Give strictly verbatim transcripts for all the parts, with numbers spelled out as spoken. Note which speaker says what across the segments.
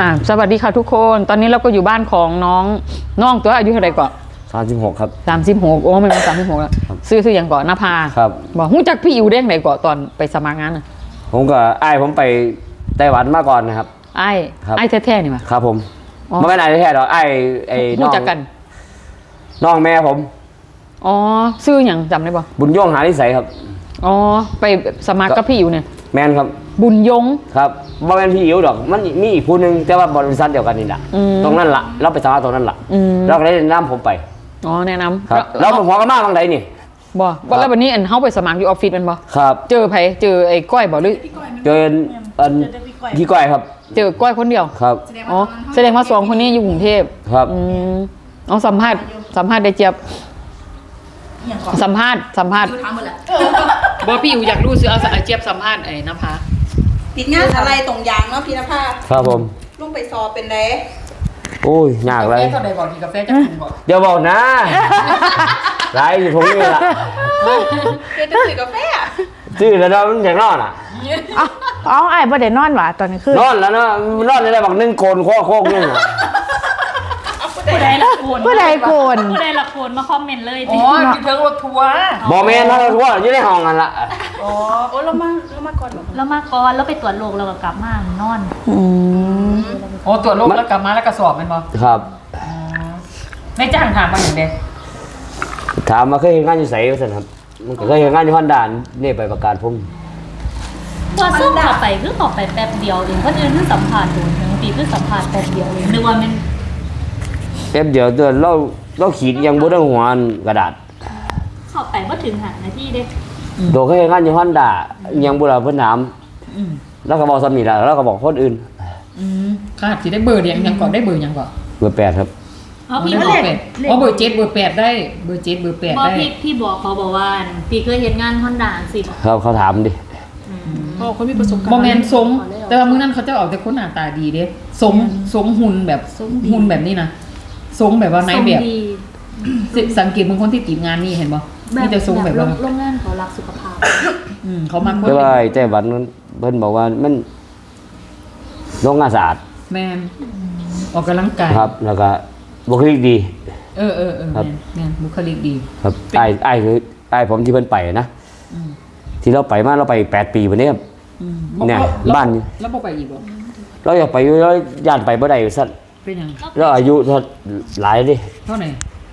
Speaker 1: อ่าสวัสดีค่ะทุกคนตอนนี้เราก็อยู่บ้านของน้องน้องตัวอายุเท่าไหร่ก่อน
Speaker 2: สามสิบหกครับ
Speaker 1: สามสิบหกโอ้ไม่มาสามสิบหกแล้วซื้อซื้ออย่างก่อนนภา
Speaker 2: ครับ
Speaker 1: บอกหูจักพี่อิวได้ไหนก่อนตอนไปสมัครงานอ่ะ
Speaker 2: ผมก็ไอ้ผมไปไต้หวันมาก่อนนะครับ
Speaker 1: ไอ้ไอ้แท้ๆนี่มา
Speaker 2: ครับผมไม่เป็นไอ้แท้ๆหรอกไอ้ไอ้น้อง
Speaker 1: จักกัน
Speaker 2: น้องแม่ผม
Speaker 1: อ๋อซื้ออย่างจำได้ป่ะ
Speaker 2: บุญย่งหานิสัยครับ
Speaker 1: อ๋อไปสมัครกับพี่อิวเนี่ย
Speaker 2: แมนครับ
Speaker 1: บุญยง
Speaker 2: ครับบ่แม่นพี่อิ๋วดอกมันมีอีกผู้นึงแต่ว่าบริษัทเดียวกันนี่แหละตรงนั้นละเราไปสมัครตรงนั้นละเราก็ได้แนะนำผมไป
Speaker 1: อ๋อแนะนำ
Speaker 2: ครับเราผมพอกันมากบางใดนี่
Speaker 1: บ่บ่แล้ววันนี้อันเฮาไปสมัครอยู่ออฟฟิศมันบ่
Speaker 2: ครับ
Speaker 1: เจอไผเจอไอ้ก้อยบ่หรือ
Speaker 2: เจออันพี่ก้อยครับ
Speaker 1: เจอก้อยคนเดียว
Speaker 2: ครับ
Speaker 1: อ๋อแสดงว่าสองคนนี้อยู่กรุงเทพ
Speaker 2: ครับ
Speaker 1: อืมเอาสัมภาษณ์สัมภาษณ์ได้เจี๊ยบสัมภาษณ์สัมภาษณ์บ่พี่อยู่อยากรู้ซื้อเอาเจี๊ยบสัมภาษณ์ไอ้นภา
Speaker 3: ติดงานอะไรตรงยางเนาะพี่นภา
Speaker 2: ครับผม
Speaker 3: ลุงไปสอบเป็นไร
Speaker 2: โอ้ยยากเลย
Speaker 1: กาแฟเท่าใดบอกกาแฟจะกินบ่
Speaker 2: เดี๋ยวบอกนะไรอยู่ผมนี่แหละ
Speaker 3: เดี๋ยวจะซื้อกาแฟ
Speaker 2: ซื้อแล้วเนาะมันอย่างนอนอ่ะ
Speaker 4: อ๋อไอ้บ่ได้นอนหวะตอนนี้คื
Speaker 2: อนอนแล้วเนาะนอนได้บอกนึ่งโกนโค้โค้งนี่
Speaker 5: ผู้ใดละโกน
Speaker 4: ผู้ใดโกน
Speaker 5: ผู้ใดละโกนมาคอมเมนต์เลย
Speaker 1: อ๋อที่เทิงรถทัวร์
Speaker 2: บอเมนถ้ารถทัวร์อยู่ในห้องกันละ
Speaker 3: อ๋อโอ้เรามาเรามาก่อน
Speaker 5: แล้วมาก่อนแล้วไปตรวจโรคแล้วก็กลับมานอน
Speaker 4: อืม
Speaker 1: โอ้ตรวจโรคแล้วกลับมาแล้วก็สอบมันบ่
Speaker 2: ครับ
Speaker 1: ไม่จ้างถามมาอย่างเดียว
Speaker 2: ถามมาเคยเห็นงานอยู่ไสสิครับมันก็เคยเห็นงานอยู่ฮอนด้านี่ไปประกาศผม
Speaker 5: ตัวซึ่งขับไปคือขับไปแป๊บเดียวเองเพราะเดือนคือสัมผัสโดนบางทีคือสัมผัสแป๊บเดียวเองนึกว่ามัน
Speaker 2: แป๊บเดียวเดือนเราเราขีดยังบ่ได้หัวกระดาษ
Speaker 5: ขับไปว่าถึงหานาทีเด้
Speaker 2: โดเคยเห็นงานอยู่ฮอนด้ายังบ่ได้เพิ่นถามแล้วก็บอกซ้ำนี่ล่ะแล้วก็บอกคนอื่น
Speaker 1: อืมค่ะสิได้เบอร์ยังยังก่อนได้เบอร์ยังก่อน
Speaker 2: เบอร์แปดครับ
Speaker 5: อ๋อพี่
Speaker 1: เบอร์แปดอ๋อเบอร์เจ็ดเบอร์แปดได้เบอร์เจ็ดเบอร์แปดได้
Speaker 5: พี่พี่บอกเขาบอกว่าพี่เคยเห็นงานฮอนด้าสิ
Speaker 2: ครับเขาถามดิ
Speaker 1: อ๋อคนมีประสบการณ์โมเมนต์ทรงแต่ว่ามื้อนั้นเขาจะออกแต่คนหน้าตาดีเด้ทรงทรงหุ่นแบบหุ่นแบบนี้นะทรงแบบว่าไหนแบบสังเกตบางคนที่ติดงานนี่เห็นบ่มีแต่ทรงแบบว่า
Speaker 5: โรงงานเขารักสุขภาพ
Speaker 1: อืมเขามาคน
Speaker 2: แต่ว่าไต้หวันเพิ่นบอกว่ามันโรงงานสะอาด
Speaker 1: แม่นออกกำลังกาย
Speaker 2: ครับแล้วก็บุคลิกดี
Speaker 1: เออเออเออแม่นแม่นบุคลิกดี
Speaker 2: ครับไอ้ไอ้คือไอ้ผมที่เพิ่นไปนะที่เราไปมาเราไปแปดปีวันนี้ครับเนี่ยบ้าน
Speaker 1: แล้วบ่ไปอีกบ่
Speaker 2: เราอยากไปอยู่แล้วย่านไปบ่ได้ซั่น
Speaker 1: เป็นหยัง
Speaker 2: เราอายุหลายดิ
Speaker 1: เท่าไหร่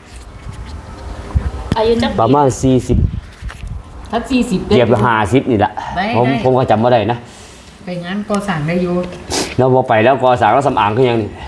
Speaker 5: อายุจัก
Speaker 2: ประมาณสี่สิบ
Speaker 1: ถ้าสี่สิบ
Speaker 2: เกือบห้าสิบนี่แหละผมผมก็จำบ่ได้นะ
Speaker 1: ไปงานก่อสร้างได้อยู่
Speaker 2: เราบ่ไปแล้วก่อสร้างแล้วสำอางคือหยังนี่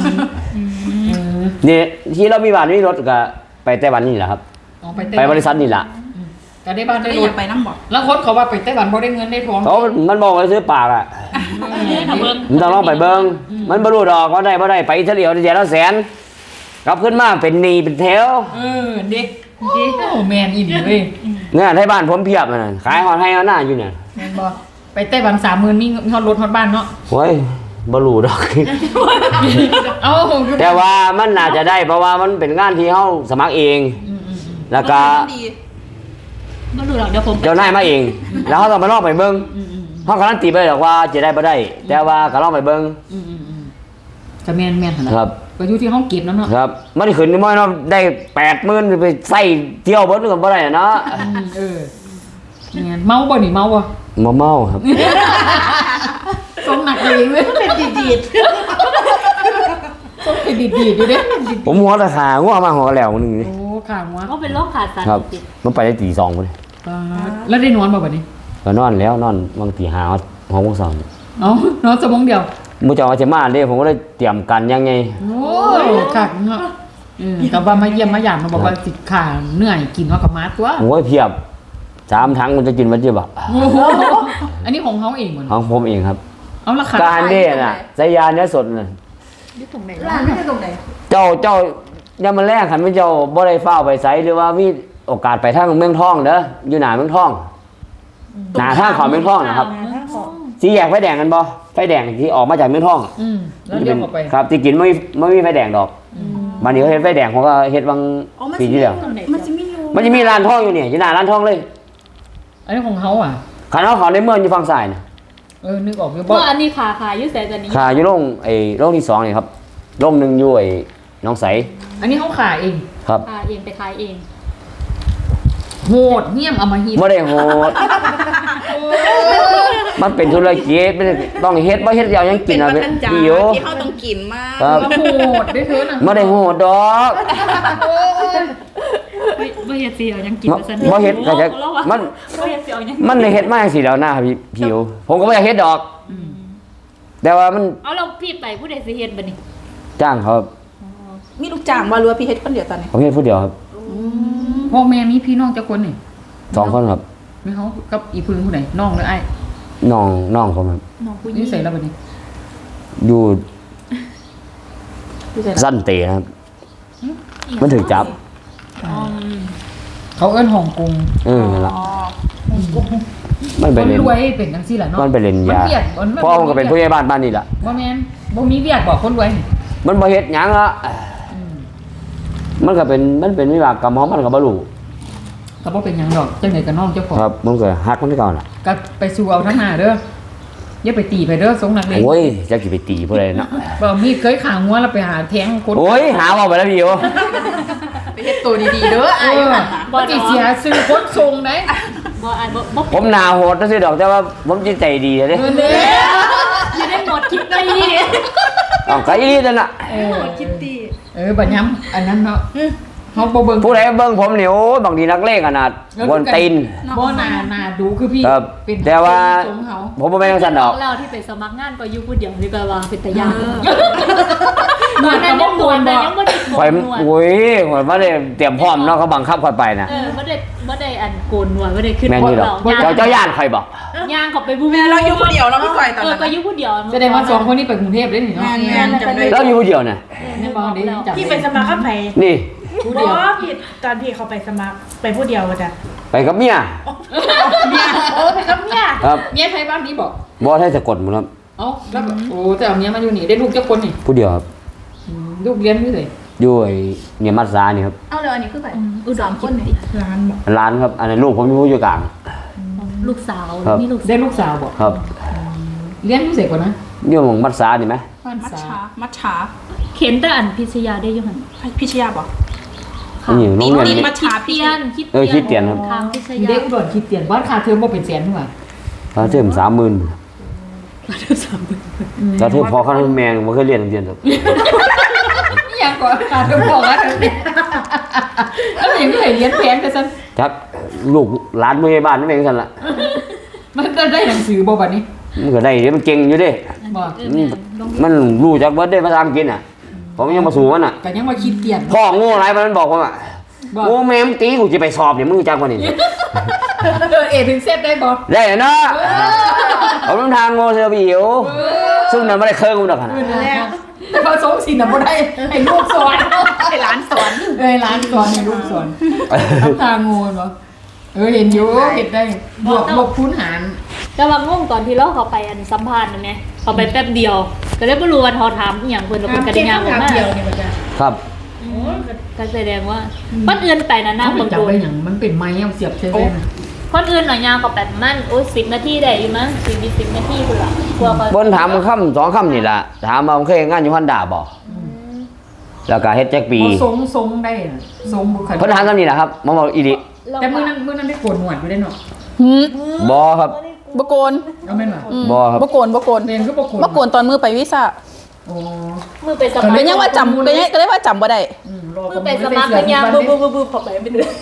Speaker 2: นี่ที่เรามีบ้านมีรถก็ไปไต้หวันนี่แหละครับไปบริษัทนี่แหละ
Speaker 1: ก็ได้บ้านได้รถ
Speaker 3: ไปน้ำบ่
Speaker 1: แล้วคนเขาว่าไปไต้หวันบ่ได้เงินได้ทอง
Speaker 2: เขามันบอกว่าซื้อปากอ่ะมันต้องลองไปเบิ่งมันบ่รู้ดอกว่าได้บ่ได้ไปเฉลี่ยเดือนละแสนกลับขึ้นมาเป็นหนี้เป็นแถว
Speaker 1: เออเด็กเด็กโอ้แม่นอีหลีเว้ย
Speaker 2: เนี่ยให้บ้านผมเพียบนั่นขายฮอดให้ฮอดหน้าอยู่เนี่ย
Speaker 1: แม่นบ่ไปไต้หวัน สามหมื่น มีฮอดรถฮอดบ้านเนาะ
Speaker 2: โอ้ยบ่รู้ดอก
Speaker 1: เอ้า
Speaker 2: แต่ว่ามันน่าจะได้เพราะว่ามันเป็นงานที่เฮาสมัครเองแล้วก็
Speaker 5: บ่รู้หรอกเดี๋ยวผม
Speaker 2: เจ้านายมาเองแล้วเฮาต้องไปลองไปเบิ่งเฮาการันตีไปหรอกว่าจะได้บ่ได้แต่ว่าก็ลองไปเบิ่ง
Speaker 1: ก็แม่นแม่นหั่นน่ะ
Speaker 2: ครับ
Speaker 1: ก็อยู่ที่เฮาเก็บนำเนาะ
Speaker 2: ครับมันขึ้นน้อยเนาะได้ แปดหมื่น ไปใส่เที่ยวเบิดก็บ่ได้เนาะ
Speaker 1: เออแม่นเมาบ่นี่เมาบ่
Speaker 2: บ่เมาครับ
Speaker 1: สมหนักเลยเว้ย
Speaker 3: เป็นดีด
Speaker 1: ๆสมเป็นดีดๆอยู่เด้
Speaker 2: ผมหัวตะขางัวมาหัวแล้วนึงนี่
Speaker 1: โอ้ขางัว
Speaker 5: ก็เป็นโรคขาดสาร
Speaker 2: ติดมันไปได้ตีสองพุ่น
Speaker 1: แล้วได้นอนบ่บัดนี้
Speaker 2: ก็นอนแล้วนอนบางตีห้า หกโมงเช้า
Speaker 1: เอ้านอนชั่วโมงเดียว
Speaker 2: มื้อเจ้าจะมาเด้ผมก็เลยเตรียมกันยังไง
Speaker 1: โอ้คักเนาะเออก็ว่ามาเยี่ยมมาหยามมาบอกว่าสิขาเหนื่อยกินว่ากับมาตัว
Speaker 2: โอ้ยเพียบสามถังมันจะกินมันจะบ่
Speaker 1: อันนี้ของเฮาเองเหมือน
Speaker 2: ของผมเองครับ
Speaker 1: เอาราคา
Speaker 2: การเด้น่ะใส่ยาเนื้อสดน่ะ
Speaker 3: อยู่ตรงไหนร้านไม่ใช่ตรงไหน
Speaker 2: เจ้าเจ้ายามมื้อแรกคันเจ้าบ่ได้ฟ้าวไปไสหรือว่ามีโอกาสไปทางเมืองทองเด้ออยู่หน้าเมืองทองหน้าทางเข้าเมืองทองนะครับสีแยกไฟแดงกันบ่ไฟแดงที่ออกมาจากเมืองทอง
Speaker 1: อืมแล้วเลี้ยวออกไป
Speaker 2: ครับที่กินไม่ไม่มีไฟแดงดอกบัดนี้เขาเฮ็ดไฟแดงเขาก็เฮ็ดบางปีที่แล้ว
Speaker 3: มันจะมีอยู่
Speaker 2: มันจะมีร้านทองอยู่เนี่ยอยู่หน้าร้านทองเลย
Speaker 1: อันนี้ของเฮาอ่ะ
Speaker 2: คันเฮาเข้าในเมืองอยู่ฝั่งซ้ายน่ะ
Speaker 1: เออนึกออกอยู่
Speaker 5: เพ
Speaker 1: บ่
Speaker 5: ราะอันนี้ขาขาอยู่ใส่ตัวนี้
Speaker 2: ขาอยู่โรงไอ้โรงที่สองนี่ครับโรงหนึงอยู่ไอ้หน้องใส
Speaker 1: อันนี้เขาขายเอง
Speaker 2: ครับ
Speaker 5: ขาเองไปขายเอง
Speaker 1: โหดเหี้ยมเอามาหิน
Speaker 2: บ่ได้โหดมันเป็นธุรกิจไม่ได้ต้องเฮ็ดบ่เฮ็ดเดียวยังกินอ่ะ
Speaker 3: เป็นวัฒนจักร
Speaker 2: พี่อยู่
Speaker 3: ที่เขาต้องกินมาก
Speaker 2: ครับ
Speaker 1: โหดได้เธอน่ะ
Speaker 2: บ่ได้โหดดอก
Speaker 5: ไม่ไม่เฮ็ดสิเอายังกิน
Speaker 2: บ่
Speaker 5: ไปซะ
Speaker 2: บ่เฮ็ดก็จะมัน
Speaker 5: บ่เฮ็ดสิเอายัง
Speaker 2: มันได้เฮ็ดมาจังซี่แล้วนะพี่พี่อยู่ผมก็บ่อยากเฮ็ดดอก แต่ว่ามัน
Speaker 5: เอาเราพี่ไปผู้ใดสิเฮ็ดบัดนี้
Speaker 2: จ้างเขาครับ
Speaker 3: มีลูกจ้างมาหรือว่าพี่เฮ็ดคนเดียวตอนนี้
Speaker 2: ผมเฮ็ดผู้เดียวครับ
Speaker 1: พ่อแม่มีพี่น้องจักคนนี่
Speaker 2: สองคนครับ
Speaker 1: มีเขากับอีพึ่งผู้ใดน้องหรือไอ้
Speaker 2: น้องน้องผมครับ
Speaker 5: น้องผู้หญิ
Speaker 1: นี่
Speaker 5: ง
Speaker 1: ใส่แล้วบัดนี้
Speaker 2: อยู่
Speaker 3: พี่เสร็จ
Speaker 2: สั้นเตะครับ มันถึงจับ
Speaker 5: อืม
Speaker 1: เขาเอิ้นฮ่องกง
Speaker 2: เออนั่นล่ะ
Speaker 3: อ๋อ
Speaker 2: มัน
Speaker 1: ค
Speaker 2: ไป
Speaker 1: น
Speaker 2: เล่น
Speaker 1: รวยเป็นจังซี่ล่ะเนาะ
Speaker 2: มันไปเล่นยา
Speaker 1: เวียดมัน
Speaker 2: พ่อผมก็เป็นผู้ใหญ่บ้านบ้านนี่ล่ะ
Speaker 1: บ่แม่นบ่มีเวียดบอกคนรวยนี่
Speaker 2: มันบ่เฮ็ดหยังละมันก็เป็นมันเป็นวิบากกรรมของมันก็บ่รู้
Speaker 1: ก็บ่เป็นหยังดอกจังได๋ก็น้องเจ้าของ
Speaker 2: ครับมันก็ฮักมันก่อนล่ะ
Speaker 1: ก็ไปสู่เอาทั้งหน้าเด้ออย่าไปตีไปเด้อสงนักเลง
Speaker 2: โอ้ยจะสิไปตีผู้ใดเนาะ
Speaker 1: บ่มีเคยขางัวแล้วไปหาแทงคน
Speaker 2: โอ้ยหาว่าไปแล้วพี่อยู่
Speaker 3: ไปเฮ็ดตัวดีๆเด้อ
Speaker 1: เอ
Speaker 3: อ้าย
Speaker 1: อบ่สิเสียซื้อคนทรงได้
Speaker 5: บ่อ่านบ่บ่
Speaker 2: ผมหน้าโหดซื่อๆดอกแต่ว่าผมจิตใจดีเด้
Speaker 1: เออเด้
Speaker 5: สิได้หมดคลิปได้อี
Speaker 2: เอาก็อีหลีนั่นน่ะ
Speaker 1: เออ
Speaker 3: คิตตี้
Speaker 1: เออบัดย้ำอันนั้นเนาะเฮาบ่เบิ่ง
Speaker 2: ผู้ใดเบิ่งผมนี่โอ้ยบางทีนักเลงขนาดบนตีน
Speaker 1: บ่น่าน่าดูคือพี่
Speaker 2: ครับ
Speaker 1: เป็น
Speaker 2: แต่ว่า
Speaker 1: ทรงเขา
Speaker 2: ผมบ่แม่นจังซั่นดอก
Speaker 5: เราที่ไปสมัครงานก็อยู่ผู้เดียวนี่แปลว่าเป็นตาย่าง
Speaker 1: หนวดก็บ่โกนบ่
Speaker 5: ยังบ่ได้โก
Speaker 2: ข่อย
Speaker 5: นหนวด
Speaker 2: โอ้ยข่อยบ่ได้เตรียมพร้อมเนาะเขาบังคับข่อยไปนะ
Speaker 5: เออบ่ได้บ่ได้อันโกนหนวดบ่ได้ขึ้น
Speaker 2: แม่นอยู่ดอก
Speaker 5: ย่าง
Speaker 2: เจ้าเจ้าย่านข่อยบอก
Speaker 5: ย่างเขาไปบู
Speaker 3: แม่เราอยู่คนเดียวเราไม่ค่อยตอน
Speaker 5: เออ
Speaker 3: นั้น
Speaker 5: ก็อยู่ผู้เดียว
Speaker 1: แสดงว่าสองคนนี้ไปกรุงเทพได้นี่เนาะ
Speaker 3: แม่นแม่นจำได้
Speaker 2: แล้วอยู่ผู้เดียวน่ะ
Speaker 1: แม่บอกดิจับ
Speaker 6: พี่ไปสมัครกับไผ
Speaker 2: นี่
Speaker 1: ผู้
Speaker 6: บ
Speaker 1: เดียว
Speaker 6: อพี่ตอนพี่เขาไปสมัครไปผู้เดียวจ้ะ
Speaker 2: ไปกับเมีย
Speaker 6: โอ้ไปกับเมีย
Speaker 2: ครับ
Speaker 1: เมียไทยบ้านนี้บอก
Speaker 2: บ่ให้สะกดหมดครับ
Speaker 1: เอ้าแล้วก็โอ้แต่เอาเมียมาอยู่นี่ได้ลูกเจ้าคนนี่
Speaker 2: ผู้เดียวครับ
Speaker 1: อืมลูกเรียนนี่เลย
Speaker 2: อยู่ไอ้เนี่ยมัดซานี่ครับ
Speaker 3: เอาเลยอันนี้คือไป
Speaker 5: อุดรคนนี่
Speaker 6: ร้านบอก
Speaker 2: ร้านครับอันนั้นลูกผมอยู่อยู่กลาง
Speaker 5: ลูกสาว
Speaker 2: ครับ
Speaker 5: มีลูก
Speaker 1: ได้ลูกสาวบอก
Speaker 2: ครับ
Speaker 1: เรียนพิเศษกว่านะ
Speaker 2: อยู่หมองมัดซานี่ไหม
Speaker 1: บ้าน
Speaker 3: มัด
Speaker 1: สา
Speaker 3: ฉามัดฉา
Speaker 5: เข็นแต่อันพิชยาได้อยู่หั่น
Speaker 3: พิชยาบอก
Speaker 2: อันนี้โรงเรียน
Speaker 3: นี่
Speaker 2: นี้
Speaker 3: มัดฉา
Speaker 5: เตียนคิด
Speaker 2: เออคิดเตียนครับ
Speaker 5: ทางพิช
Speaker 1: อี
Speaker 5: ยา
Speaker 1: เด็กอุดรคิดเตียนบ้านค่าเทอมบ่เป็นแสนถูกป่ะ
Speaker 2: ค่าเทอมสามหมื่นค่าเทอมพอค่าเทอมแม่งบ่เคยเรียนโรงเรียนครับ
Speaker 1: นี่ยังก่อนค่าเทอมพอค่าเทอมเนี่ยแล้วมันยังไม่เคยเรียนแพงแต่ซั่น
Speaker 2: จักลูกหลานผู้ใหญ่บ้านนั่นเองซั่นล่ะ
Speaker 1: มันจะได้หนังสือบ่บัดนี้
Speaker 2: มันก็ได้เด้มันเก่งอยู่เด้
Speaker 1: บ่
Speaker 5: เออแม่ลง
Speaker 2: มันรู้จักเบิดได้ภาษาอังกฤษน่ะ ผมยังมาสู่มันน่ะ
Speaker 1: ก็ยังมาคิดเตียน
Speaker 2: พ่อโง่หลายมันบอกผมอ่ะ
Speaker 1: บอก
Speaker 2: โอ้แม่มึงตีกูจะไปสอบเนี่ยมึงรู้จักกว่านี่
Speaker 1: เออเอถึงเซตได้บ่
Speaker 2: ได้เนาะเอาลำทางโง่เสือบิวซึ่งมันไม่ได้เคยกูดอกขนาด
Speaker 1: แต่พอสงสินน่ะบ่ได้ให้ลูกสอน
Speaker 3: ให้ร้านสอน
Speaker 1: เอ้ยร้านสอนให้ลูกสอนทำทางงูเนาะเออเห็นอยู่เห็นได้บวกลบคูณหาร
Speaker 5: แต่ว่างงตอนที่เราเขาไปอันสัมภาษณ์นั่นแหละเขาไปแป๊บเดียว ก็เลยบ่รู้ว่าเขาถามอีหยังเพิ่นแล้วเพิ่นก็ได้ยางออกมา
Speaker 6: เดียวนี่มาจ้ะ
Speaker 2: ครับ
Speaker 5: ก็แสดงว่าคนอื่นไปนะนั่
Speaker 1: เขา
Speaker 5: ง
Speaker 1: ไป
Speaker 5: บาง
Speaker 1: จับ
Speaker 5: คน
Speaker 1: ได้อย่างมันเป็นไม้เอาเสียบใช่ไหม
Speaker 5: คนอื่นหน่อยยางก็แบบมันโอ้ยสิบนาทีได้อยู่มั้งสิบสิบนาทีพุ่นล่ะกลัวเขา
Speaker 2: บนถามคำสองคำนี่แหละถามมาผมเคยเฮ็ดงานอยู่ฮันดาบ่แล้วก็เฮ็ดแจ็คปี
Speaker 1: เขาทรงทรงได้น่ะทรงบุคลิก
Speaker 2: เพิ่นถามคำนี้แหละครับมาบอกอีดิ
Speaker 1: แต่มื้อนั้นมื้อนั้นได้โกนหนวดอยู่ได้เนาะ
Speaker 2: บ่ครับ
Speaker 3: บโกน
Speaker 1: เอาแม่นบ่
Speaker 2: บ่ครับ
Speaker 3: บโกนบโกน
Speaker 1: เรียนก็บ่โกน
Speaker 3: บโกนตอนมือไปวิซ่า
Speaker 1: โอ้
Speaker 5: มือไปสมัคร
Speaker 3: เป็นยังว่าจำเป็นยังก็ได้ว่าจำบ่ได้
Speaker 1: อืมรอ
Speaker 5: มือไปสมัครกันยางบูบูบูบูพอไปไม่ได้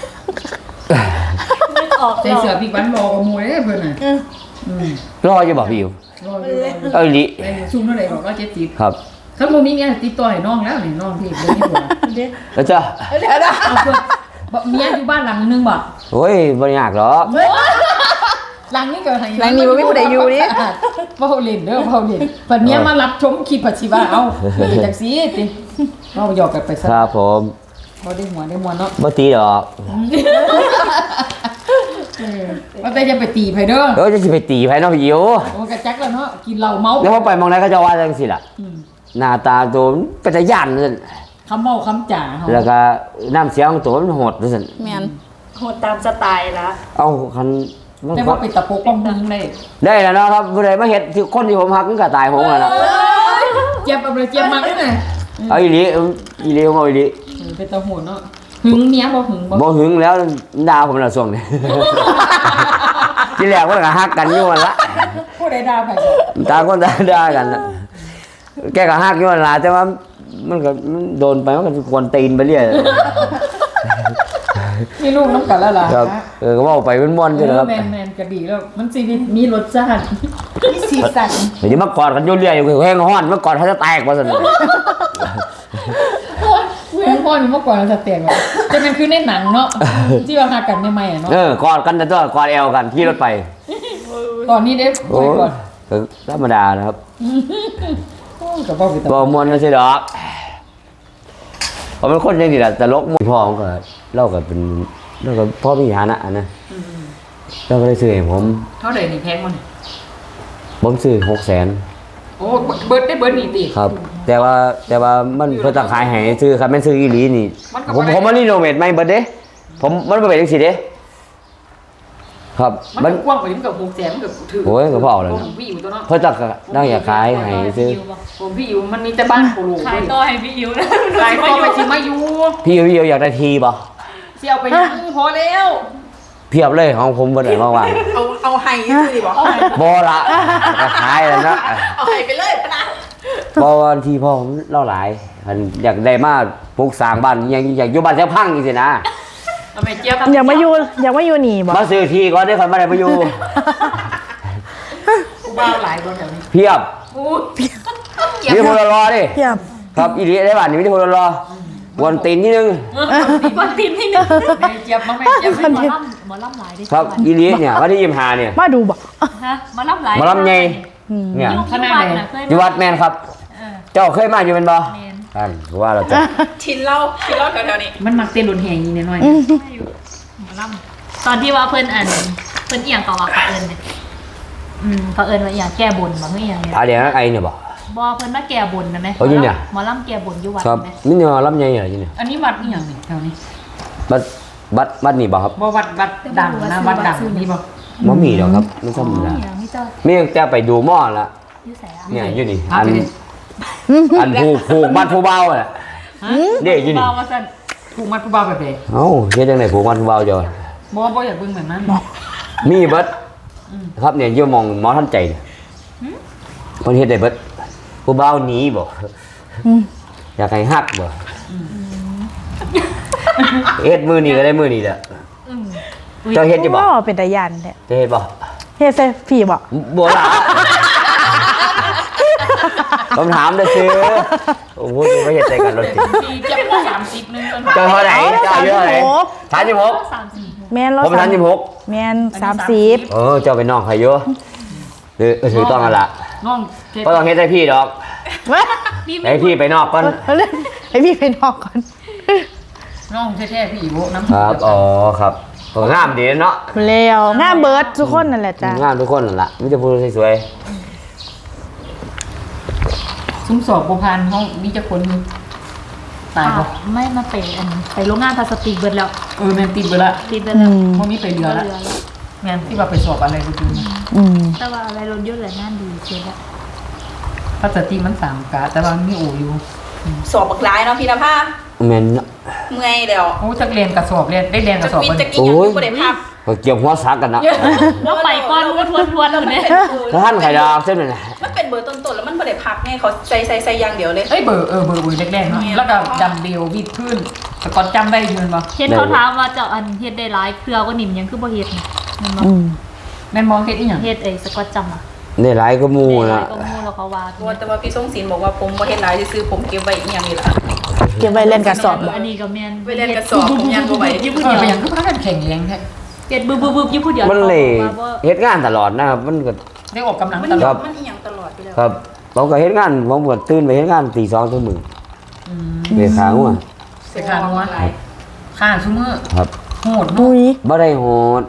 Speaker 5: นึกออก
Speaker 1: ใส่เสื้อปีกวันรอกับมวยเด้เพิ่นน่ะอืม
Speaker 2: รออยู่บ่พี่อยู่
Speaker 1: รออยู่
Speaker 2: เอ้ยลิ
Speaker 1: ได้ซุ่มเท่าไหร่บอกร้อยเจ็ดสิบ
Speaker 2: ครับ
Speaker 1: ถ้าบ่มีเมียติดต่อให้น้องแล้วนี่น้องที่บ่มีผัว
Speaker 2: แล้วจ้า
Speaker 3: เดี๋ยวนะ
Speaker 1: เอาเพิ่นบ่เมียอยู่บ้านหลังนึงบ่
Speaker 2: โอ้ยบ่ยากหรอก
Speaker 1: หลังนี้ก็ให้
Speaker 3: หลังนี้บ่มีผู้ใดอยู่นี่
Speaker 1: บ่เล่นเด้อบ่เล่นปัดเนี้ยมารับชมคลิปปัจฉิว่าเอ้าเป็นจังซี่ติเว้าหยอกกันไปซะ
Speaker 2: ครับผม
Speaker 1: บ่ได้หัวได้มวนเนาะ
Speaker 2: บ่ตีดอก
Speaker 1: เออว่าแต่จะไปตีไผเด้อ
Speaker 2: เออจะสิไปตีไผเนาะพี่อยู่
Speaker 1: โอ้กระจักแล้วเนาะกินเหล้าเมา
Speaker 2: แล้วพอไปมองไหนเขาจะว่าจังซี่ล่ะ
Speaker 1: อืม
Speaker 2: หน้าตาตัวมันเป็นตาย่านนั่น
Speaker 1: คำเมาคำจ่าเฮา
Speaker 2: แล้วก็น้ำเสียงของตัวมันโหดนั่น
Speaker 3: แมน
Speaker 5: โหดตามสไตล์ละ
Speaker 2: เอาคันมัน
Speaker 1: ได้
Speaker 2: ก็
Speaker 1: ว่าไปตะโปกป้องมึงได้
Speaker 2: ได้แล้วเนาะครับผู้ใดมาเฮ็ดที่คนที่ผมฮักมันก็ตายผมอ่ะนะ
Speaker 1: เจ็บเอาเลยเจ็บมากเลยนะ
Speaker 2: เอาอีหลีอีหลีผมเอาอีหลี
Speaker 1: เป็นตะโหนเนาะหึงเมียบ่หึงบ่
Speaker 2: บ่หึงแล้วด่าผมละช่วงนี้ ที่แรกมันก็ฮักกันอยู่นั่นละ
Speaker 1: ผู้ใดด่าไผ
Speaker 2: ต่างคนต่างด่ากันนะแกก็ฮักอยู่นั่นล่ะแต่ว่ามันก็มันโดนไปมันก็ควรตีนไปเรื่อย
Speaker 1: มีลูกน้ำกันแล้วล่ะ
Speaker 2: ครับเออก็เว้าไปม่วนๆ
Speaker 1: เอ
Speaker 2: ซื่อ
Speaker 1: อ
Speaker 2: ครับ
Speaker 1: แมนแมนก็ดีแล้วมันชีวิตมีรสชาติมีสีสัน
Speaker 2: เดี๋ยวมากอดกันอยู่เรื่อยอยู่แห้งฮ้อนมากอดเขาจะแตกว่าซั่น
Speaker 1: เพื่อนพ่อนี่เมื่อก่อนเราจะเตียงเลยจะเป็นคือในหนังเนาะที่เราหากันใหม่ๆอะเนาะ
Speaker 2: เออกอดกันแต่ตัวกอดแอวกันขี่รถไป
Speaker 1: ตอนนี้เด้
Speaker 2: โอ้
Speaker 1: โอ้ยก่อน
Speaker 2: ก็ธรรมดานะครับ
Speaker 1: กับพ่อไปตะ
Speaker 2: บ่ม่วนจังซี่ดอกผมเป็นคนจังซี่ล่ะตลกม่วนพ่อผมก็เล่าก็เป็นเล่าก็พ่อมีฐานะนะเราก็ได้ซื้อให้ผม
Speaker 1: เท่าไหร่นี่แพงมัน
Speaker 2: ผมซื้อหกแสน
Speaker 1: โอ้เบิร์ดได้เบิร์ดนี่ติ
Speaker 2: ครับ แต่ว่าแต่ว่ามันเพิ่นจะขายให้ซื้อครับแม่นซื้ออีหลีนี่
Speaker 1: มันก็
Speaker 2: ผม
Speaker 1: บ่ได้
Speaker 2: ผมมารีโนเวทใหม่เบิดเด้ผมมันบ่เป็นจังซี่เด้ครับ
Speaker 1: มั
Speaker 2: มัน น
Speaker 1: กว้างกว่านี้มันกับหกแสนมันกับถือ
Speaker 2: โอ้ยก็พอแล้วนะ
Speaker 1: ผมพี่อยู่ตัวเนาะ
Speaker 2: เพิ่นจะได้อยากขายให้ซื้อ
Speaker 1: ผมพี่อยู่มันมีแต่บ้านโคโล
Speaker 5: ขายต่อให้พี่อิ๋วนะ
Speaker 1: ขายต่อไปสิมาอยู่
Speaker 2: พี่พี่อยากได้ทีบ่
Speaker 1: เสี่ยวไปยังพอแล้ว
Speaker 2: เพียบเลยของผมบ่ได้ว่าง
Speaker 3: เอาเอาไห้ซื้อดิบอก
Speaker 2: ๆบ่ละก็ขายแล้วนะ
Speaker 3: เอาไห้ไปเลยปะนะ
Speaker 2: เพราะว่าที่พ่อผมเล่าหลายอันอยากได้มาปลูกสร้างบ้านอยากอยากอยู่บ้านแถวพังจังซี่นะ
Speaker 1: เอาไปเจี๊ยบ
Speaker 4: อย่ามาอยู่อย่ามาอยู่นี่บ่
Speaker 2: มาซื้อที่ก่อนได้อค่อยมาได้มาอยู่
Speaker 1: กูบ้าหลายคนแถวนี้
Speaker 2: เพียบ
Speaker 1: อู้
Speaker 2: มีคนรอดิ
Speaker 4: เทียบ
Speaker 2: ครับอีหลีได้บ้านนี้มีคนรอวันตีนนิดนึง
Speaker 5: วันทีมที่หนึ่ง
Speaker 1: แม่เจี๊ยบมาแม่เจี๊ยบ
Speaker 5: หมอลำหมอลำหลายดิ
Speaker 2: ครับอีหลีเนี่ยวันที่ยี่สิบห้าเนี่ย
Speaker 4: มาดูบ่
Speaker 5: ฮะหมอลำหลาย
Speaker 2: หมอลำไงเนี่ย
Speaker 5: ยุคที่วัดนะเคย
Speaker 2: อยู่วัดแมนครับ
Speaker 5: เออ
Speaker 2: เจ้าเคยมาอยู่เป็นบ่
Speaker 5: แมน
Speaker 2: ท่านว่าเราจะ
Speaker 3: ชินเหล้าชินเหล้าแถวๆนี้
Speaker 1: มันมักเต้นรุนแรงอย่างนี้หน่อย
Speaker 5: หมอลำตอนที่ว่าเพื่อนอันเพื่อนเอียงก่อว่าเขาเอิญเนี่ยอืมเขาเอิญว่าอย่างแก้บนมาเพื่ออย่างเนี่ย
Speaker 2: อาเดี๋ยวไอเนี่ยบ่
Speaker 5: บอเพื่อนมาแก้บนนะไหม
Speaker 2: เอาอยู่เนี่ย
Speaker 5: หมอลำแก้บนอยู่วัด
Speaker 2: ครับ
Speaker 5: ไหม
Speaker 2: นี่เนี่ยลำไยเหรออยู่เนี่ย
Speaker 1: อันนี้วัดนี่อย่างนี้แถวนี้
Speaker 2: บัดบัดบัดนี่บ่ครับ
Speaker 1: บ่วัดวัดดังนะวัดดังนี่บ่
Speaker 2: บ่มีดอกครับมันธรรมดา
Speaker 5: อย่างที่เจ้า
Speaker 2: มีแต่ไปดูหม้อละ
Speaker 5: ที่ใส่อะ
Speaker 2: เนี่ยอยู่นี่
Speaker 1: พา
Speaker 2: อัน
Speaker 1: ไปดิ
Speaker 2: อันผูกผูกบ้านผู้เบาอ่ะเด็กอยู่นี่
Speaker 1: เบาว่าซั่นผูกมัดผู้บ่าวแบบใด
Speaker 2: เอ้าเฮ็ดจังได๋ผูกบ้านผู้เบาจ้ะ
Speaker 1: บ่บ่อยากเบิ่งแบบนั้น
Speaker 2: มีเบิดครับเนี่ยอยู่หมองหมอทันใจเนี่ยเพิ่นเฮ็ดได้เบิดผู้เบาหนีบ่อยากให้ฮักบ่เฮ็ดมื้อนี้ก็ได้มื้อนี้แหละเจ้าเฮ็ดอยู่บ่
Speaker 4: โอ้เป็นตายันแท้
Speaker 2: เจ้าเฮ็ดบ่
Speaker 4: เฮ็ดใส่ผีบ่
Speaker 2: บ่ล่ะผมถามได้ซื่อโอ้โหไม่เฮ็ดใจกันรถติด
Speaker 1: ปีเจ็บก็สามสิบนึง
Speaker 2: เจ้าเท่าไหร่เจ้าอายุเท่าไหร่สามสิบหก
Speaker 5: สามสี่
Speaker 4: แม่นเรา
Speaker 2: ผมสามสิบหก
Speaker 4: แม่นสามสิบ
Speaker 2: เออเจ้าเป็นน้องใครอยู่หรือถือต้องกันละ
Speaker 1: น้องเท
Speaker 2: ก็ต้องเฮ็ดให้พี่ดอก
Speaker 4: เว้ย
Speaker 2: ให้พี่ไปนอกก่อน
Speaker 4: เอาเลยให้พี่ไปนอกก่อน
Speaker 1: น้องแท้ๆพี่อีโบน้ำ
Speaker 2: ครับอ๋อครับเอองามดีเนาะ
Speaker 4: แล้วงามเบิดทุกคนนั่นแหละจ้ะ
Speaker 2: งามทุกคนนั่นล่ะไมแต่จะพูดสวย
Speaker 1: ซุ้มสอบบ่ผ่านเฮามีจักคนอยู่ตายบ่
Speaker 5: ไม่มาเป็นอันไปโรงงานพลาสติกเบิดแล้ว
Speaker 1: เออแม่นติดเบิดละ
Speaker 5: ติดเบิด
Speaker 4: อื
Speaker 5: แล้ว
Speaker 4: ม
Speaker 1: บ่มีไปเหลือละแม่นที่ว่าไปสอบอะไรก็คือ
Speaker 4: อืม
Speaker 5: แต่ว่าอะไรรถยนต์แหละงานดีเชียวละ
Speaker 1: พลาสติกมันสามกะแต่ว่ามันมีโออยู่
Speaker 3: สอบบักหลายเนาะพี่นภา
Speaker 2: ๆแม่นเนาะ
Speaker 3: เมื่อยแล้ว
Speaker 1: โอ้จักเรียนกระสอบเรียนได้เรียนก
Speaker 3: จะ
Speaker 1: ระสอบ
Speaker 3: วิน
Speaker 1: บ่
Speaker 3: จะกินอย่างอยู่บ่ได้พัก
Speaker 2: ก็เกี่ยวหัวซักกันเนาะ
Speaker 5: แล้วไปก้อนทวนทวนๆอยู่เนี่ย
Speaker 2: ถ้าท่านไข่ดาวเส้นนั่นน่ะ
Speaker 3: มันเป็นเบอร์ต้นๆแล้วมันบ่ได้พักไงเขาใส่ใส่ใส่อย่างเดียวเลย
Speaker 1: เอ้ยเบอร์เออเบอร์เบอร์แรกๆเนาะแล้วก็ดัมเบลวิดพื้นแต่ก่อนจำได้อยู่แม่นบ่
Speaker 5: เห็นเขาถามว่าเจ้าอันเฮ็ดได้หลายเครือก็นิ่มยังคือบ่เฮ็ดนะแมันบ่
Speaker 4: อืม
Speaker 1: แม่นบ่เฮ็ดอีหยัง
Speaker 5: เฮ็ดไอ้สกอตจัมป์อ่ะ
Speaker 2: ได้หลายก็หมู่
Speaker 5: ได้หลา
Speaker 2: นะ
Speaker 5: ยก็มูแล้วเขาว่า
Speaker 3: ว่าแต่ว่าพี่ทรงศิลป์บอกว่าผมบ่เฮ็ดหลายซื่อๆผมเก็บไว้อีหยังนี่ล่ะ
Speaker 4: เก็บไว้เล่นกระสอบบ่
Speaker 5: อันนี้ก็แม่น
Speaker 3: ไว้เรียนกระสอบผมยังบ่ไหว
Speaker 5: อยู่ผู้
Speaker 1: เอ
Speaker 5: เดี
Speaker 1: อ
Speaker 5: ยว
Speaker 1: ไปหยังคือพากันแข่งแรงแท้
Speaker 5: เฮ็ดบึบๆๆอยู่ผู้เดียว
Speaker 2: มันเลย
Speaker 5: ขาบอกว่า
Speaker 2: เฮ็ดงานตลอดนะครับมันก็
Speaker 1: ได้ออกกำลัง
Speaker 3: มัน
Speaker 1: ตล
Speaker 3: ค
Speaker 1: อ
Speaker 3: รั
Speaker 1: ด
Speaker 3: บมันอีหยังตลอดไปแล้ว
Speaker 2: ครับผมก็เฮ็ดงานผมก็ตื่นไปเฮ็ดงานตีสองตีหนึ่ง
Speaker 1: อืม
Speaker 2: เดือขาหัว
Speaker 1: เสียค่าหัวค่าซุมื้อ
Speaker 2: ครับ
Speaker 1: โหด
Speaker 4: มุ
Speaker 1: เนาะ
Speaker 4: ย
Speaker 2: บ่ได้โหด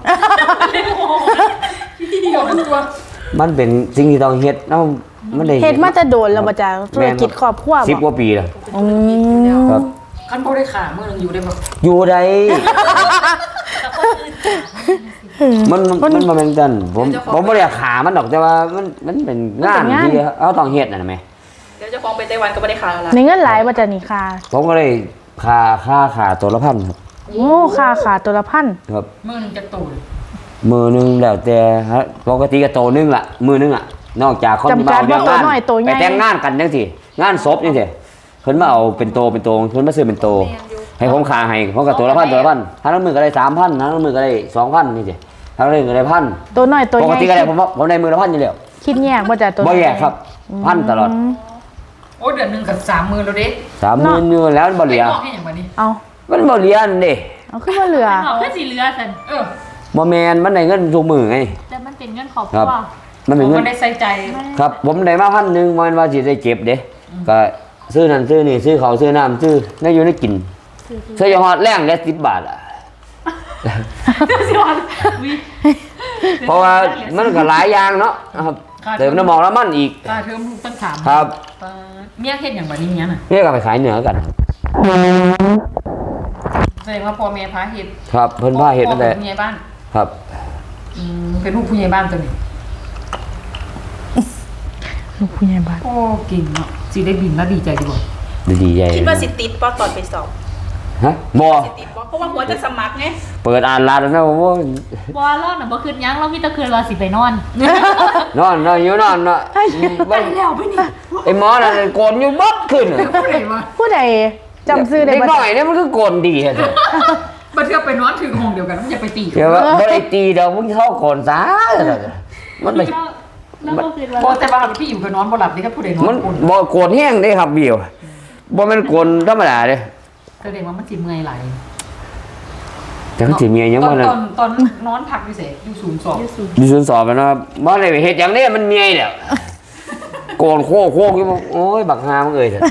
Speaker 1: เดียวกันตัว
Speaker 2: มันเป็นสิ่งที่ต้องเฮ็ดเนาะมันได้
Speaker 4: เฮ็ดมาจะโดนแล้วบ่จ้ะธุรกิจครอบครัว
Speaker 2: สิบก
Speaker 4: บ่
Speaker 2: ว่าปีแล้ว
Speaker 4: อืม
Speaker 2: ครับ
Speaker 1: คันบ่ได้ขามื้อนึงอยู่ได้บ่
Speaker 2: อยู่ได้
Speaker 5: แต่คนอื่น
Speaker 2: มันมันมันบ่แม่นกันผมผมบ่ได้ขามันดอกแต่ว่ามันมันเป็นงานที่เอาต้องเฮ็ดนั่นน่ะแม่
Speaker 3: เดี๋ยวเจะฟ้าของไปไต้หวันก็ไม่ได้ขายแล้ว
Speaker 4: ในเงินหลายบ่จ้ะนี่ค่ะ
Speaker 2: ผมก็เลยค่าค่าขาตัวละพันครับ
Speaker 4: โอ้ค่าขาตัวละพัน
Speaker 2: ครับ
Speaker 1: มือหนึงจะตูน
Speaker 2: มือหนึงแล้วแต่ฮะปกติก็โตนึงล่ะมือนึงอ่ะนอกจากคนที่มาเอาเรื่องงานไปแต่งงานกันจังซี่งานศพจังซี่เพิ่นมาเอาเป็นโตเป็นโตเพิ่นมาซื้อเป็นโตให้ผมขาให้ผมก็ตัวละพันตัวละพันถ้าละมือก็ได้สามพันถ้าละมือก็ได้สองพันนี่สิถ้าละมือก็ได้พัน
Speaker 4: ตัวน้อยตัว
Speaker 2: ป
Speaker 4: ให
Speaker 2: ก
Speaker 4: ญ่
Speaker 2: ติก็ได้ผมว่าผมได้มือละพันอยู่แล้ว
Speaker 4: คิดแยกบ่จ้ะตัว
Speaker 2: บ่แยกครับพันตลอด
Speaker 1: โอ้เดือนหนึงกับสามมือแล้วเด้
Speaker 2: สามหมื่นอยู่แล้วบ่เหลือ
Speaker 1: ไม่บอกให้อย่างวันนี้
Speaker 4: เอา
Speaker 2: มันบ่เหลือนั่นเด้
Speaker 4: เอาขึ้นมาเหลือ
Speaker 5: เอาขึ้นสีเรือสัน
Speaker 1: เออ
Speaker 2: บ่แม่นมันได้เงินทุกมื้อไง
Speaker 5: แต่มันเป็นเงินขอบ
Speaker 2: ค
Speaker 5: ค
Speaker 2: รั
Speaker 5: รั
Speaker 2: บ
Speaker 5: ว
Speaker 2: มันเป็นเงิ
Speaker 1: มัน นได้ใส่ใจ
Speaker 2: ครับ ผมได้มาพันหนึงมันว่าสิได้เก็บเด้ก็ซื้อนั่นซื้อนี่ซื้อข้าวซื้อน้ำซื้อได้อยู่ได้กินซื้ออยู่ฮอดแรงได้สิบบาทอ่ะ
Speaker 5: สิวันวิ
Speaker 2: เพราะว่ามันก็หลายอย่างเนาะครับเติมน้ำมันแล้วมันอีก
Speaker 1: ค่าเทอมลูกตั้งสาม
Speaker 2: ครับ
Speaker 1: ปาดเมียเฮ็ดอย่างวันนี้เนี้ยน่ะ
Speaker 2: นี่ก็ไปขายเหนือกัน
Speaker 1: แสดงว่าพ่อแม่พาเฮ็ด
Speaker 2: ครับเพิ่นพาเฮ็ดนั่นแหละ
Speaker 1: พ่อเป็นผู้ใหญ่บ้าน
Speaker 2: ครับ
Speaker 1: อืมเป็นลูกผู้ใหญ่บ้านตัวนี้
Speaker 4: ลูกผู้ใหญ่บ้าน
Speaker 1: โอ้เก่งเนาะสิได้บินแล้วดีใจดีบ่
Speaker 2: ดีๆใหญ่
Speaker 3: คิดว่าสิติดป่ะตอนไปสอบ
Speaker 2: ฮะบ่
Speaker 3: สิติดป่ะเพราะว่าหัวจะสมัครไง
Speaker 2: เปิดอ่านร้านแล้วนะผมว่า
Speaker 5: บอลเล่าน่ะบ่คืนยังเรามีแตะคืนเราสิไปนอน
Speaker 2: นอนนอนอยู่นอนเนาะไปแล้วไปนี่ไอ้หมอนั่นโกนอยู่บัดขึ้นน่ะ
Speaker 1: ผู้ใดวะ
Speaker 4: ผู้ใดจำชื่อได้
Speaker 2: เด็ก
Speaker 4: บ่
Speaker 2: น้อยเนี่ยมันคือโกนดีฮะเด้อ
Speaker 1: บัดเทื่อไปนอนถึงห้องเดียวกันมันจะไปตี
Speaker 2: เดี๋ยวว่าบ่ได้ตีดอกมึงเข้าโกนซะมันไม่
Speaker 5: เราเราบ่คืน
Speaker 1: พอ
Speaker 5: ว่า
Speaker 1: แต่ว่าพี่อยู่กับนอนบ่หลับนี่ครับผู้ใดนอ
Speaker 2: มัน
Speaker 1: นอุ่น
Speaker 2: บ่โกนแห้งเด้ครับบิวบ่แม่นโกนธรรมดาเด้
Speaker 1: แสดงว่ามันสิเมื่อยไหลาย
Speaker 2: จังสิเมียยัง
Speaker 1: ตอ
Speaker 2: บ่
Speaker 1: น
Speaker 2: นั่น
Speaker 1: ตอนตอนนอนพักอยู่เสอยู่สูงสอง
Speaker 2: มีศูนย์สอบแล้วนะครับบ่ได้ไปเฮ็ดหยังเด้มันเมียแล้วโกนโคกโคกอยู่บ่โอ้ยบักหามึงเอ้ยเถอะ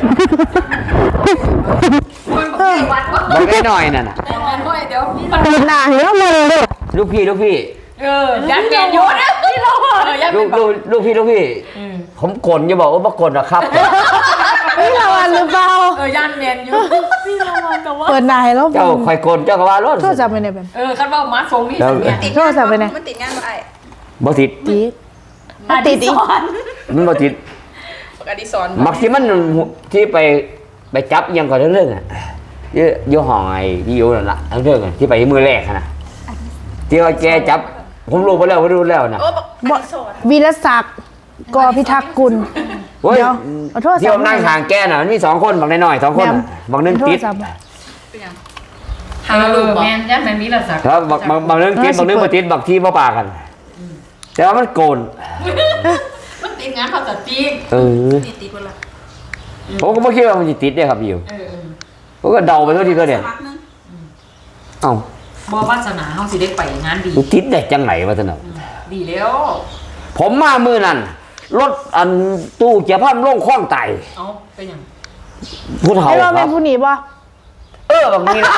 Speaker 1: คนบอกให้วัดว่า
Speaker 2: บักได้หน่อยนั่นน่ะ
Speaker 1: แต่มันด้วยเดี๋ยวมัน
Speaker 4: เปิดหน้าให้เรามาเลยเด้อ
Speaker 2: ลูกพี่ลูกพี่
Speaker 1: เออยันเมียนอยู่นะพี่เราเออยัน
Speaker 2: ลู
Speaker 1: เป็น
Speaker 2: ก
Speaker 1: แบบ
Speaker 2: ลูกลูกพี่ลูกพี่
Speaker 1: อืม
Speaker 2: ผมกลอย่าบอกว่าบ่กลหรอกครับ
Speaker 4: นี่เราอันหรือเปล่า
Speaker 1: เออยันเมียนอยู่
Speaker 5: พี่เราวันแต่ว่า
Speaker 4: เปิดหน้าให้เรา
Speaker 2: เจ้าคอยกลเจ้าก็ว่ารถ
Speaker 4: โทรศัพท์ไปไหนแบบ
Speaker 1: เออคันว่ามาทรงนี่
Speaker 2: แล้ว
Speaker 1: เนี่ย
Speaker 3: ติด
Speaker 4: โทรศัพท์ไปไหน
Speaker 3: มันติดงานบ่ไอ้
Speaker 2: บ่ติด
Speaker 4: ตีด
Speaker 5: อ
Speaker 4: ติ
Speaker 5: ดี
Speaker 4: ดอีก
Speaker 5: สอน
Speaker 2: มันบ่ติด
Speaker 3: ปกติสอน
Speaker 2: มักที่มันที่ไปไปจับอิหยังก่อนเรื่องๆอ่ะอยู่อยู่ห้องไอ้ที่อยู่นั่นล่ะเรื่องๆอะที่ไปมือแรกอะนะที่ว่าแกจับ ผมรู้ไปแล้วผมรู้แล้วนะ
Speaker 3: โอ้บอกอดิสอน
Speaker 4: วีรศักดิ์กอพิทักษ์กุล
Speaker 2: เฮ้ย
Speaker 4: เดี๋ยวเอาโทรศัพท์
Speaker 2: ที่ผมนั่งห่างแกน่ะมันมีสองคนบางน้อยๆสองคนน่ะบางนึง
Speaker 4: โท
Speaker 2: ติ
Speaker 4: ร
Speaker 2: ด
Speaker 4: ศัพท์
Speaker 3: เป็นยัง
Speaker 1: เออแมนยันแมนมีละสัก
Speaker 2: ครับบางบางบางนึงติดบางนึงบ่ติดบางที่บ่ปากัน แต่ว่ามันโกน
Speaker 1: มันติดงานภาษาจีน
Speaker 2: เออ
Speaker 3: ติดติดวันละ
Speaker 2: ผมก็ไม่คิดว่ามันจะติดเนี่ยครับอยู่
Speaker 1: เออเออ
Speaker 2: ผมก็เดาไปทั่วทีก็เดียว
Speaker 3: สมัครนึง
Speaker 2: เอ้า
Speaker 1: บอวาสนาเฮาสิได้ไปงานดี
Speaker 2: มันติดได้จังไหนวะท่านน่ะ
Speaker 1: ดีแล้ว
Speaker 2: ผมมามือนั่นรถอันตู้เกียร์พันลงคล้องไต
Speaker 1: เอาเป็นหยัง
Speaker 2: ผู้เฒ่า
Speaker 4: ให้เรา
Speaker 2: ค
Speaker 4: เป็
Speaker 2: รั
Speaker 4: น
Speaker 2: บ
Speaker 4: ผู้หนีบ่
Speaker 2: เออแบบนี้นะ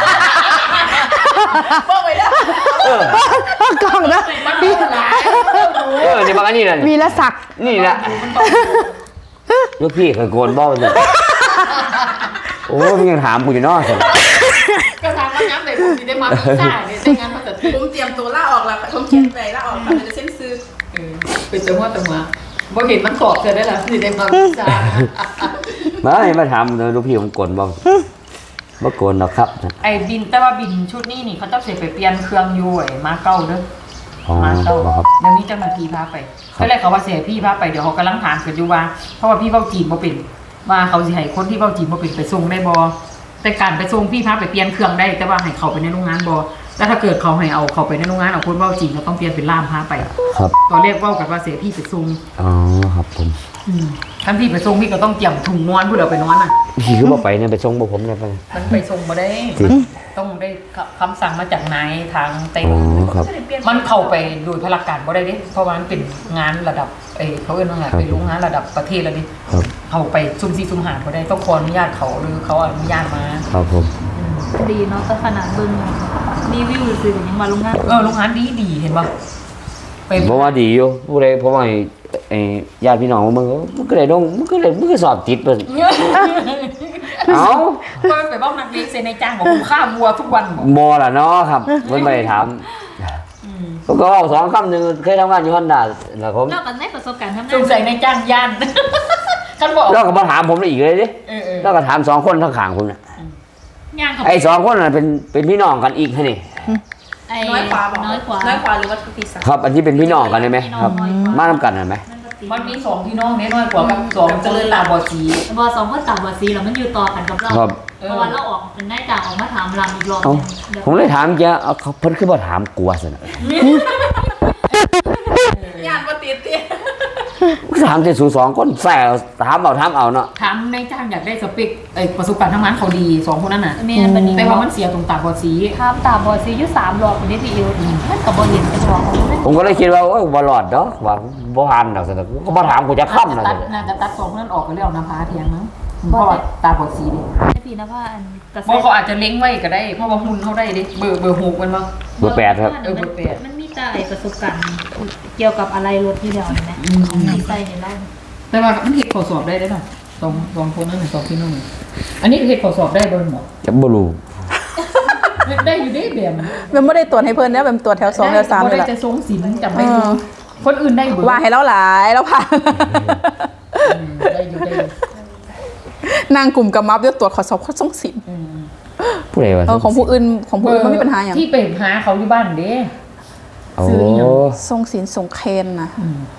Speaker 3: บอกไปแล้ว
Speaker 2: เออ
Speaker 4: เอากล่องนะ
Speaker 1: มันดีหลาย
Speaker 2: เออนี่บางอันนี้นะ
Speaker 4: วีรศักดิ์
Speaker 2: นี่นะลูกพี่เคยโกนบ้าเลยโอ้ยมึงยังถามกูอยู่เนอก
Speaker 1: ก็ถามว่าย้ำแต่ผมสิได้มาพิซซ่าเนี่ยได้งานภาษาจีน
Speaker 3: ผมเตรียมตัวล่าออกแล้วผมเขียนไปล่าออกค่ะมันจะเส้นซื้อ
Speaker 1: เออเป็นจังหวะจังหวะบ่เห็นมันสอบเธอได้แล้วสิได้มาพิซซ่า
Speaker 2: มาให้มาถามเลยลูกพี่ผมโกนบ้างบ่โกนหรอกครับ
Speaker 1: ไอ้บินแต่ว่าบินชุดนี้นี่เขาต้องเสียไปเปลี่ยนเครื่องอยู่ไอ้มาเก้าเด้อ
Speaker 2: อ๋อ
Speaker 1: มาเก้า
Speaker 2: ครับ
Speaker 1: เดี๋ยวนี้เจ้าหน้าที่พาไปก็เลยเขาว่าเสียพี่พาไปเดี๋ยวเขากำลังถามกันอยู่ว่าเพราะว่าพี่เว้าจีนบ่เป็นว่าเขาสิให้คนที่เว้าจีนบ่เป็นไปส่งได้บ่แต่การไปส่งพี่พาไปเปลี่ยนเครื่องได้ แต่ว่าให้เขาไปในโรงงานบ่แล้วถ้าเกิดเขาให้เอาเขาไปในโรงงานเอาคนเว้าจีนก็ต้องเปลี่ยนเป็นล่ามพาไป
Speaker 2: ครับ
Speaker 1: ตอนแรกเว้ากันว่าเสียพี่ไปส่ง
Speaker 2: อ๋อครับผม
Speaker 1: อืมท่านพี่ไปส่งพี่ก็ต้องเตรียมถุงนอนเพื่อเอาไปนอนน่ะ
Speaker 2: พี่คือบ่ไปเนี่ยไปส่งบ่ผมเนี่ยไป
Speaker 1: มันไปส่งบ่ได้
Speaker 2: จริง
Speaker 1: ต้องได้คำสั่งมาจากนายทางไต้ห
Speaker 2: อ๋
Speaker 1: วั
Speaker 2: อน ครับ
Speaker 1: มันเข้าไปโดยพลการบ่ได้เด้เพราะว่ามันเป็นงานระดับเอยเขาเอิ้นว่าไง
Speaker 2: ครับ
Speaker 1: เป็นโรงงานระดับประเทศแล้วดิ
Speaker 2: ครับ
Speaker 1: เข้าไปซุ่มซี่ซุ่มหาบ่ได้ต้องขออนุญาตเขาหรือเขาอนุญาตมา
Speaker 2: ครับผม
Speaker 5: ดีเนาะแต่ขนาดเบิ่งรีวิวซื้อยังมาโรงงาน
Speaker 1: เออโรงงานดีดีเห็นป่ะไป
Speaker 2: เพราะว่าดีอยู่ผู้ใดเพราะว่าไอ้ไอ้ญาติพี่น้องมึงมันก็ได้ลงมันก็ได้มันก็สอบติดเพิ่นเอ้า
Speaker 1: ก็ไปบอกนักเรียนเซนในจ้างบอกกูฆ่าวัวทุกวันบอก
Speaker 2: บ่ล่ะเนาะครับเพิ่นบ่ได้ถาม
Speaker 1: อืม
Speaker 2: ก็เอาสองคำหนึ่งเคยทำงานอยู่ฮอนด้าแล้วผม
Speaker 5: เล่ากันในประสบการณ์ทำงาน
Speaker 1: สงสัยในจ้างย่านท่านบอก
Speaker 2: แล้วก็มาถามผมอีกเลยดิ
Speaker 1: เออเออ
Speaker 2: แล้วก็ถามสองคนข้างๆผมเนี่ย
Speaker 5: ย่างเขา
Speaker 2: ไอ้สองคนน่ะเป็นเป็นพี่น้องกันอีกฮะนี่
Speaker 5: ไอ้
Speaker 3: น้อยกว่าบอก
Speaker 5: น้อยกว่า
Speaker 3: น้อยกว่าหรือว่าทุกปีสัก
Speaker 2: ครับอันที่เป็นพี่น้องกันได้ไหมครับ มาทำกันได้ไหม
Speaker 1: มันมีสองพี่น้องน้อยกว่ากับสองเจริญตาบอดสี
Speaker 5: บอสองคนต่างบอสีแล้วมันอยู่ต่อกันกับเรา
Speaker 2: ครับ
Speaker 5: เพราะว่าเราออกเป็นนายจ่างออกมาถามรำอีกรอบห
Speaker 2: เอ้า
Speaker 5: นึ่ง
Speaker 2: ผมเลยถามแกเอาเขาเพิ่นคือบ่ถามกลัวสินะ
Speaker 3: ย่านบ่ติดติ
Speaker 2: ถามแต่สู่สองคนแซ่ถามเอาถามเอาเนาะ
Speaker 1: ถามในจ้างอยากได้สเปคไอ้ประสบการณ์ทำงานเขาดีสองคนนั้นน่ะ
Speaker 5: แม่นบันนี้
Speaker 1: แต่ว่ามันเสียตรงตาบอดสี
Speaker 5: ถามตาบอสีอยู่สามรอบคนนี้พี่อิวมันกับบอเห็นกันหรอก
Speaker 2: ผมก็เลยคิดว่าโอ้ยบ่รอดดอกว่าบ่ผ่านดอกสินะก็บ่ถามกูจะค้ำนะ
Speaker 1: ตั
Speaker 2: สิ
Speaker 1: ดน่าจะตัดสองคนนั้นออกกันแล้วนะพาเทียงมั้งเพราะว่าตาบอดสีดิ
Speaker 5: ไอ้พี่นะพ่ออันกระ
Speaker 1: เพราะเขาอาจจะเล้งไว้ก็ได้เพราะว่าหุ่นเขาได้ดิเบอร์เบอร์หกมันมั้ง
Speaker 2: เบอร์แปดครับ
Speaker 1: เออเบอร์แปด
Speaker 5: มันมีแต่ไอ้ประสบการณ์เกี่ยวกับอะไรรถที่เดียวเห็นไหมของดีไซน์ในเรา
Speaker 1: แต่ว่ามันเห็ดข้อสอบได้ได้ป่ะสองสองคนนั่นสองพี่น้องอันนี้เห็ดข้อสอบได้บนหมอ
Speaker 2: จะบ่รู้
Speaker 1: ได้อยู่ได้แบบ
Speaker 4: มันไม่ได้ตรวจให้เพื่อนนะเป็นตรวจแถวสองแถวสามเลย
Speaker 1: ได้
Speaker 4: ล่ะ
Speaker 1: จะทรงศิลป์จำไม่
Speaker 4: เอ
Speaker 1: รู้
Speaker 4: อ
Speaker 1: คนอื่นได้เบอร์
Speaker 4: ว่าให้เราหลายแล้วผ่าน
Speaker 1: อืมได้อยู่ได้อยู่
Speaker 4: นางกลุ่มกับมัฟเดี๋ยวตรวจขอสอบข้อส่งสิน
Speaker 1: อืม
Speaker 2: ผู้ใดว่า
Speaker 4: เออของผู้อื่นของผู้อื่นมันมีปัญหาอย่าง
Speaker 1: ที่ไปหาเขาอยู่บ้านเด้
Speaker 2: โอ้
Speaker 1: ซื้ออีหยัง
Speaker 4: ทรงสินทรงเคนนะ
Speaker 1: อืม